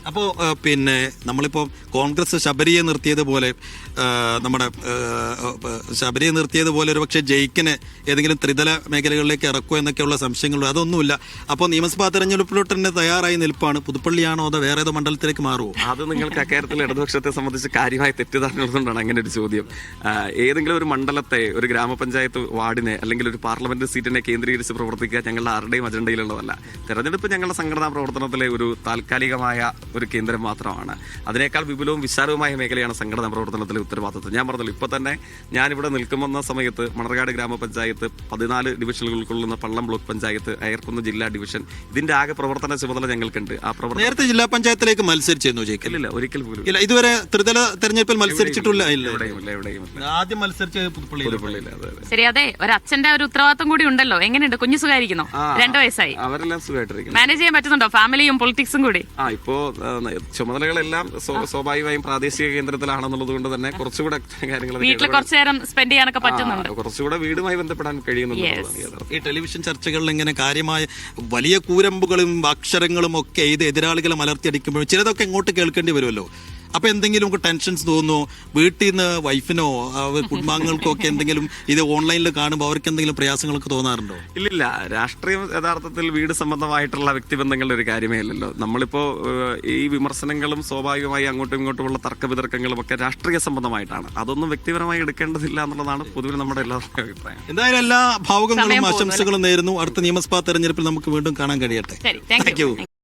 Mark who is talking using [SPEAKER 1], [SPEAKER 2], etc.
[SPEAKER 1] അപ്പോൾ പിന്നെ നമ്മളിപ്പോൾ കോൺഗ്രസ് ശബരിയെ നിർത്തിയതുപോലെ നമ്മുടെ ശബരിയെ നിർത്തിയതുപോലെ ഒരു പക്ഷേ ജയിക്കിന് ഏതെങ്കിലും ത്രിതല മേഖലകളിലേക്ക് ഇറക്കുമോ എന്നൊക്കെയുള്ള സംശയങ്ങളുണ്ട്. അതൊന്നുമില്ല. അപ്പോൾ നിയമസഭാ തെരഞ്ഞെടുപ്പിലോട്ട് തന്നെ തയ്യാറായി നിൽപ്പാണ്. പുതുപ്പള്ളിയാണോ അതോ വേറെ ഏതോ മണ്ഡലത്തിലേക്ക് മാറുമോ?
[SPEAKER 2] അത് നിങ്ങൾക്ക് അക്കാര്യത്തിൽ ഇടതുപക്ഷത്തെ സംബന്ധിച്ച് കാര്യമായ തെറ്റിദ്ധാരണകളുകൊണ്ടാണ് അങ്ങനെ ഒരു ചോദ്യം. ഏതെങ്കിലും ഒരു മണ്ഡലത്തെ, ഒരു ഗ്രാമപഞ്ചായത്ത് വാർഡിനെ അല്ലെങ്കിൽ ഒരു പാർലമെന്റ് സീറ്റിനെ കേന്ദ്രീകരിച്ച് പ്രവർത്തിക്കുക ഞങ്ങളുടെ ആരുടെയും അജണ്ടയിലുള്ളതല്ല. തെരഞ്ഞെടുപ്പ് ഞങ്ങളുടെ സംഘടനാ പ്രവർത്തനത്തിലെ ഒരു താൽക്കാലികമായ ഒരു കേന്ദ്രം മാത്രമാണ്. അതിനേക്കാൾ വിപുലവും വിശാലവുമായ മേഖലയാണ് സംഘടനാ പ്രവർത്തനത്തിലെ ഉത്തരവാദിത്വം. ഞാൻ പറഞ്ഞല്ലോ, ഇപ്പോൾ തന്നെ ഞാനിവിടെ നിൽക്കുമെന്ന സമയത്ത് മണർകാട് ഗ്രാമപഞ്ചായത്ത്, 14 ഡിവിഷനുകൾ ഉൾക്കൊള്ളുന്ന പള്ളം ബ്ലോക്ക് പഞ്ചായത്ത്, അയർക്കുന്ന് ജില്ലാ ഡിവിഷൻ, ഇതിന്റെ ആകെ പ്രവർത്തന ചുമതല ഞങ്ങൾക്കുണ്ട്. ആ പ്രവർത്തനം
[SPEAKER 1] നേരത്തെ ജില്ലാ പഞ്ചായത്തിലേക്ക് മത്സരിച്ചിരുന്നു ജയിക്കില്ല?
[SPEAKER 2] ഒരിക്കൽ പോലും
[SPEAKER 1] ഇല്ല. ഇതുവരെ ത്രിതല തെരഞ്ഞെടുപ്പിൽ മത്സരിച്ചിട്ടില്ല.
[SPEAKER 2] എവിടെയും
[SPEAKER 1] ആദ്യം മത്സരിച്ച് പുതുപ്പള്ളിയില്ല.
[SPEAKER 3] ശരി, അതെ, ഒരു അച്ഛന്റെ ഒരു ഉത്തരവാദിത്വം കൂടി ഉണ്ടല്ലോ. എങ്ങനെയുണ്ട് കുഞ്ഞു? സുഖമായിരിക്കുന്നു? 2 വയസ്സായി.
[SPEAKER 2] അവരെല്ലാം സുഖമായിട്ടിരിക്കുന്നു.
[SPEAKER 3] മാനേജ് ചെയ്യാൻ പറ്റുന്നുണ്ടോ ഫാമിലിയും പൊളിറ്റിക്സും കൂടി?
[SPEAKER 2] ഇപ്പോ ചുമതലകളെല്ലാം സ്വാഭാവികമായും പ്രാദേശിക കേന്ദ്രത്തിലാണെന്നുള്ളത് കൊണ്ട് തന്നെ കുറച്ചുകൂടെ കാര്യങ്ങൾ
[SPEAKER 3] വീട്ടിൽ കുറച്ചു നേരം സ്പെൻഡ് ചെയ്യാനൊക്കെ പറ്റുന്നുണ്ട്.
[SPEAKER 2] കുറച്ചുകൂടെ വീടുമായി ബന്ധപ്പെടാൻ കഴിയുന്നുണ്ട്.
[SPEAKER 1] ഈ ടെലിവിഷൻ ചർച്ചകളിൽ ഇങ്ങനെ കാര്യമായ വലിയ കൂരമ്പുകളും അക്ഷരങ്ങളും ഒക്കെ ഇത് എതിരാളികളെ മലർത്തിയടിക്കുമ്പോഴും ചിലതൊക്കെ ഇങ്ങോട്ട് കേൾക്കേണ്ടി വരുമല്ലോ. അപ്പൊ എന്തെങ്കിലും നമുക്ക് ടെൻഷൻസ് തോന്നുന്നു? വീട്ടിൽ നിന്ന് വൈഫിനോ കുടുംബാംഗങ്ങൾക്കോ ഒക്കെ എന്തെങ്കിലും ഇത് ഓൺലൈനിൽ കാണുമ്പോൾ അവർക്ക് എന്തെങ്കിലും പ്രയാസങ്ങളൊക്കെ തോന്നാറുണ്ടോ?
[SPEAKER 2] ഇല്ല, രാഷ്ട്രീയം യഥാർത്ഥത്തിൽ വീട് സംബന്ധമായിട്ടുള്ള വ്യക്തിബന്ധങ്ങളുടെ ഒരു കാര്യമേ അല്ലല്ലോ. നമ്മളിപ്പോ ഈ വിമർശനങ്ങളും സ്വാഭാവികമായി അങ്ങോട്ടും ഇങ്ങോട്ടുമുള്ള തർക്ക വിതർക്കങ്ങളും ഒക്കെ രാഷ്ട്രീയ സംബന്ധമായിട്ടാണ്. അതൊന്നും വ്യക്തിപരമായി എടുക്കേണ്ടതില്ല എന്നുള്ളതാണ് പൊതുവെ നമ്മുടെ എല്ലാവരുടെയും അഭിപ്രായം.
[SPEAKER 1] എന്തായാലും എല്ലാ ഭാവുകങ്ങളും ആശംസകളും നേരുന്നു. അടുത്ത നിയമസഭാ തെരഞ്ഞെടുപ്പിൽ നമുക്ക് വീണ്ടും കാണാൻ കഴിയട്ടെ.
[SPEAKER 3] Thank U.